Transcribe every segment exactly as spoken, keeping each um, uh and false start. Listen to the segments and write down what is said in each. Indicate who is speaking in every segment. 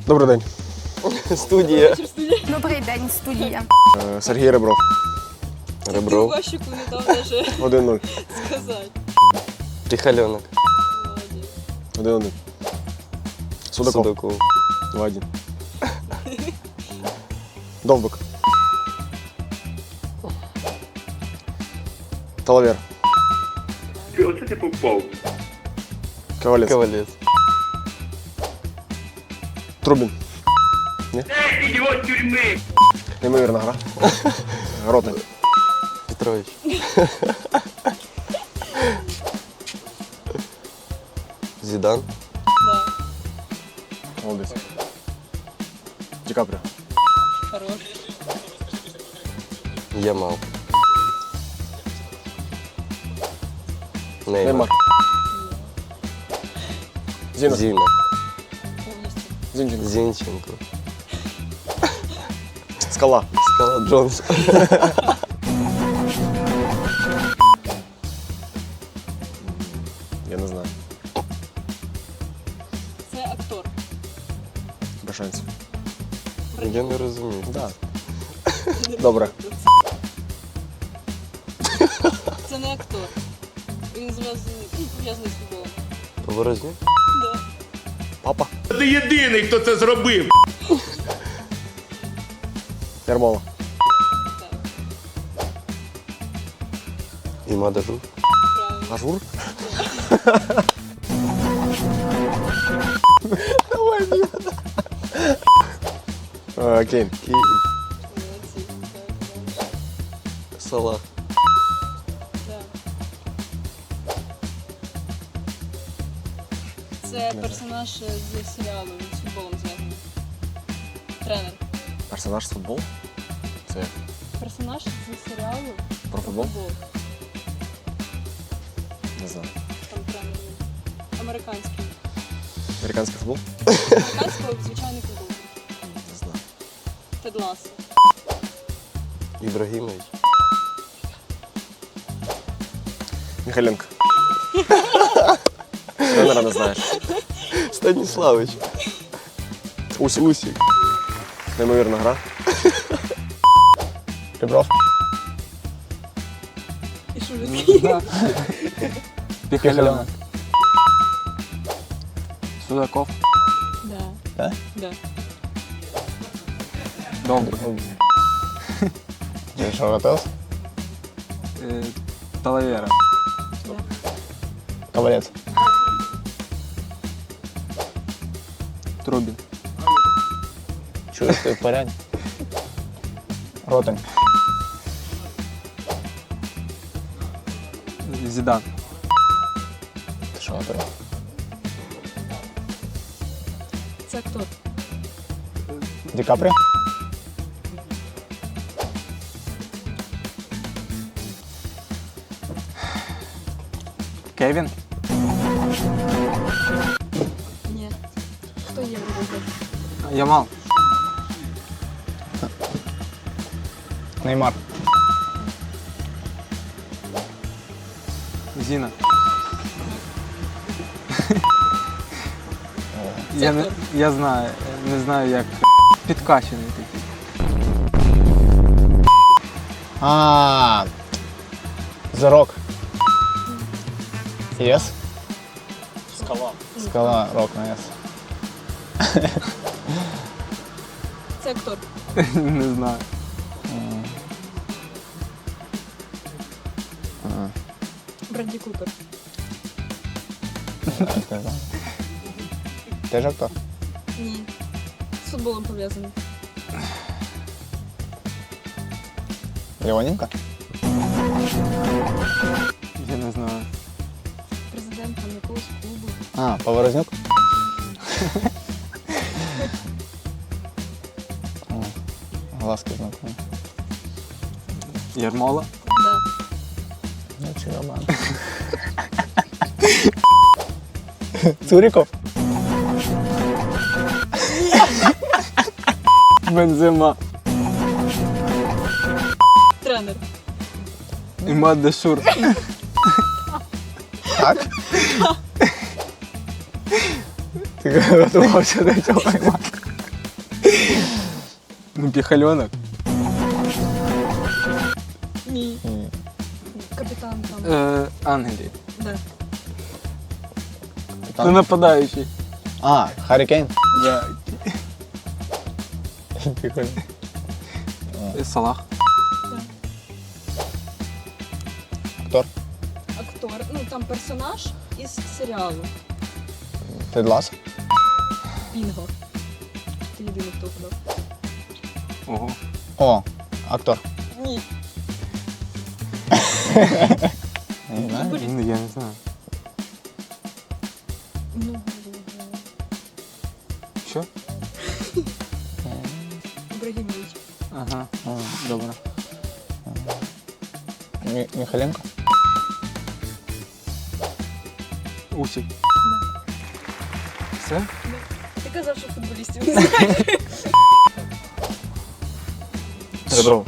Speaker 1: Добрий день.
Speaker 2: Студія.
Speaker 3: Добрий день, студія.
Speaker 1: Е, Сергій Ребров.
Speaker 2: Ребров.
Speaker 4: Вашику не дав даже
Speaker 1: один нуль.
Speaker 4: сказати.
Speaker 2: Трихальонок.
Speaker 4: Молодець.
Speaker 1: один один. Судаков.
Speaker 2: Судаков.
Speaker 1: два один. Довбик. Талавер.
Speaker 5: Оце ти попав.
Speaker 1: Ковалець.
Speaker 2: Ковалець.
Speaker 1: Трубін. Ні?
Speaker 5: Ідіот тюрми!
Speaker 1: Неймовірна гра. Ротник.
Speaker 2: Петрович. Зідан.
Speaker 4: Да.
Speaker 1: Молодець. Ді Капріо.
Speaker 4: Хорош.
Speaker 2: Ямал.
Speaker 1: Неймар.
Speaker 2: Неймар.
Speaker 1: Зіна.
Speaker 2: Зіна.
Speaker 4: Повністю.
Speaker 1: Зінченко.
Speaker 2: Зінченко.
Speaker 1: Скала.
Speaker 2: Скала Джонс.
Speaker 1: Я не знаю.
Speaker 4: Це актор.
Speaker 1: Без шансів.
Speaker 2: Я не розумію.
Speaker 1: Да. Добре.
Speaker 4: Це не актор. Він зв'язаний пов'язаний з футболом.
Speaker 2: Поворознюк.
Speaker 4: Да.
Speaker 1: Папа.
Speaker 5: Ти єдиний, хто це зробив!
Speaker 1: Ярмола.
Speaker 4: Так.
Speaker 2: Іма Дажур.
Speaker 4: Правильно.
Speaker 1: Ажур. Е, Кейн.
Speaker 2: І
Speaker 4: Молодці. Так, так.
Speaker 2: Салах.
Speaker 4: Да. Це персонаж з серіалу, він з футболом зв'язаний. Тренер.
Speaker 1: Персонаж з футболу? Це як?
Speaker 4: Персонаж з серіалу
Speaker 1: Про футбол?
Speaker 4: футбол.
Speaker 1: Не знаю.
Speaker 4: Там тренер він. Американський.
Speaker 1: Американський футбол?
Speaker 4: Американський звичайний футбол.
Speaker 1: Не знаю.
Speaker 4: Тед Лассо.
Speaker 2: Ібрагімович.
Speaker 1: Михайленко. Тренера не знаєш.
Speaker 2: Станіславич.
Speaker 1: Усік. Усік. Неймовірна гра. Ребров.
Speaker 4: І Шулицький.
Speaker 6: Піхальонок. Судаков.
Speaker 4: Да.
Speaker 6: Да?
Speaker 4: Да.
Speaker 6: Довбик.
Speaker 1: Ти що, готов?
Speaker 6: Е, Талавера.
Speaker 1: Ковалець.
Speaker 6: Трубін.
Speaker 1: Чуєш, ти в порядку? Ротник.
Speaker 6: Зідан.
Speaker 1: Ти що, готовий?
Speaker 4: Це актор.
Speaker 1: Ді Капріо?
Speaker 6: Кевін.
Speaker 4: Ні. Хто є в
Speaker 6: Ямал.
Speaker 1: Неймар.
Speaker 6: Зіна. Я, не, я знаю, не знаю як. Підкачений такий.
Speaker 1: А, The Rock. Yes? Скала. Скала, Рок на Yes.
Speaker 4: Це актор.
Speaker 6: Не знаю.
Speaker 4: Бредді Купер.
Speaker 1: Теж актор?
Speaker 4: Ні. З футболом пов'язаний.
Speaker 1: Леоненко?
Speaker 6: Я не знаю.
Speaker 4: Президент там якогось клубу.
Speaker 1: А, Поворознюк? О, глазки знакомі.
Speaker 6: Ярмола.
Speaker 4: Да.
Speaker 1: Ну, чи Роман. Цуріков?
Speaker 6: Бензема.
Speaker 4: Тренер.
Speaker 6: Іма Дашур.
Speaker 1: Так? Ти готувався до цього.
Speaker 6: Біхальонок.
Speaker 4: Ні.
Speaker 1: Ні.
Speaker 4: Капітан там.
Speaker 6: Е, Ангелі.
Speaker 4: Да.
Speaker 6: Це нападаючий.
Speaker 1: А, Харі Кейн.
Speaker 6: Да.
Speaker 1: Прикольно.
Speaker 6: Салах.
Speaker 1: Актор.
Speaker 4: Актор. Ну там персонаж із серіалу.
Speaker 1: Тед Ласо.
Speaker 4: Бінго. Ти єдиний, хто вгадав.
Speaker 6: Ого.
Speaker 1: О, актор.
Speaker 4: Ні.
Speaker 1: Не знаю.
Speaker 6: Ну, я не знаю.
Speaker 4: Ну,
Speaker 6: Що?
Speaker 4: Ібрагімович.
Speaker 6: Ага. О, добре.
Speaker 1: Мі- Міхаленко.
Speaker 6: Усік. Все?
Speaker 4: Ти казав, що футболістів не знаєш.
Speaker 2: Ребров.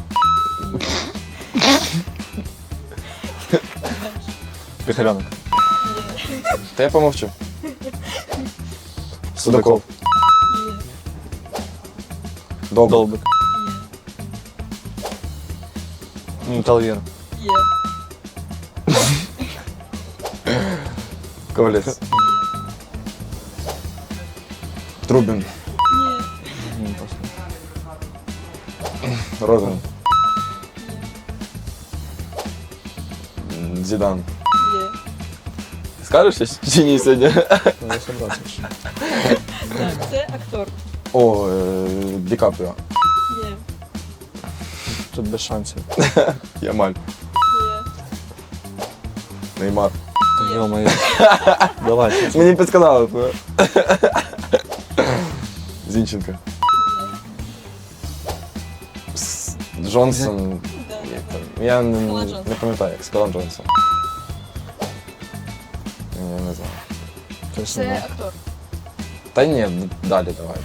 Speaker 2: Пихальонок. Та я помовчу. Судаков.
Speaker 4: Є.
Speaker 2: Долбик.
Speaker 4: Є.
Speaker 2: Талвір.
Speaker 4: Є.
Speaker 2: Ковалець. Трубін.
Speaker 4: Ні.
Speaker 2: Розен. Зідан.
Speaker 4: Є.
Speaker 2: Скажеш щось чи ні сьогодні?
Speaker 4: Так, це актор.
Speaker 2: О, е, Ді Капріо.
Speaker 4: Є.
Speaker 2: Тут без шансів. Ямаль.
Speaker 4: Є.
Speaker 2: Неймар.
Speaker 4: Є.
Speaker 2: Йо-моє. Давай. Мені підсказали. Зінченко. С- Джонсон.
Speaker 4: Да, да,
Speaker 2: Як
Speaker 4: да.
Speaker 2: там? Я не,
Speaker 4: Скала
Speaker 2: не
Speaker 4: Джонсон.
Speaker 2: пам'ятаю, як Скала Джонсон. Я не знаю.
Speaker 4: Це актор.
Speaker 2: Та ні, д- далі давай.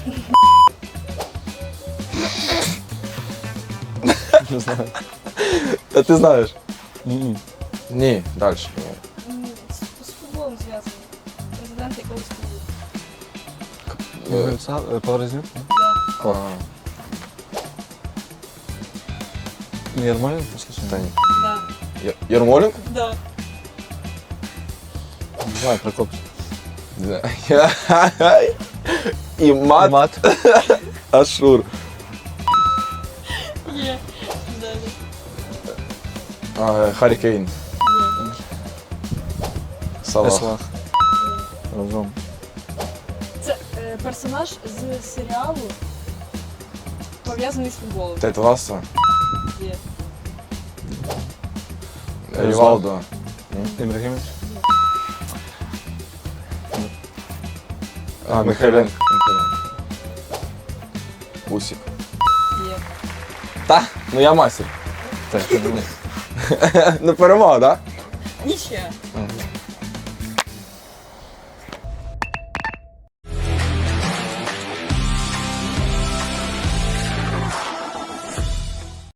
Speaker 2: Не знаю. Та ти знаєш? Ні, далі.
Speaker 4: М, З, з футболом зв'язаний. Президент якогось клубу.
Speaker 1: Поворознюк.
Speaker 4: Да.
Speaker 1: Ярмоленко?
Speaker 2: Та ні.
Speaker 4: Да.
Speaker 2: Є- Ярмоленко?
Speaker 4: Да.
Speaker 1: Не знаю, Прокоп.
Speaker 2: Да. І мат.
Speaker 1: Мат.
Speaker 2: Ашур.
Speaker 4: Є. Да, да.
Speaker 2: А, Харі Кейн.
Speaker 4: Є.
Speaker 2: Салах.
Speaker 1: Салах. Разом.
Speaker 4: Це е, персонаж з серіалу, пов'язаний з футболом.
Speaker 2: Тед Ласо.
Speaker 4: Є.
Speaker 2: Рівалдо.
Speaker 1: Ібрагімович.
Speaker 2: А, Михайленко. Усік.
Speaker 4: Є.
Speaker 2: Та? Ну я мастер.
Speaker 1: Так,
Speaker 2: Ну перемога, так?
Speaker 4: Нічия.
Speaker 2: Ага.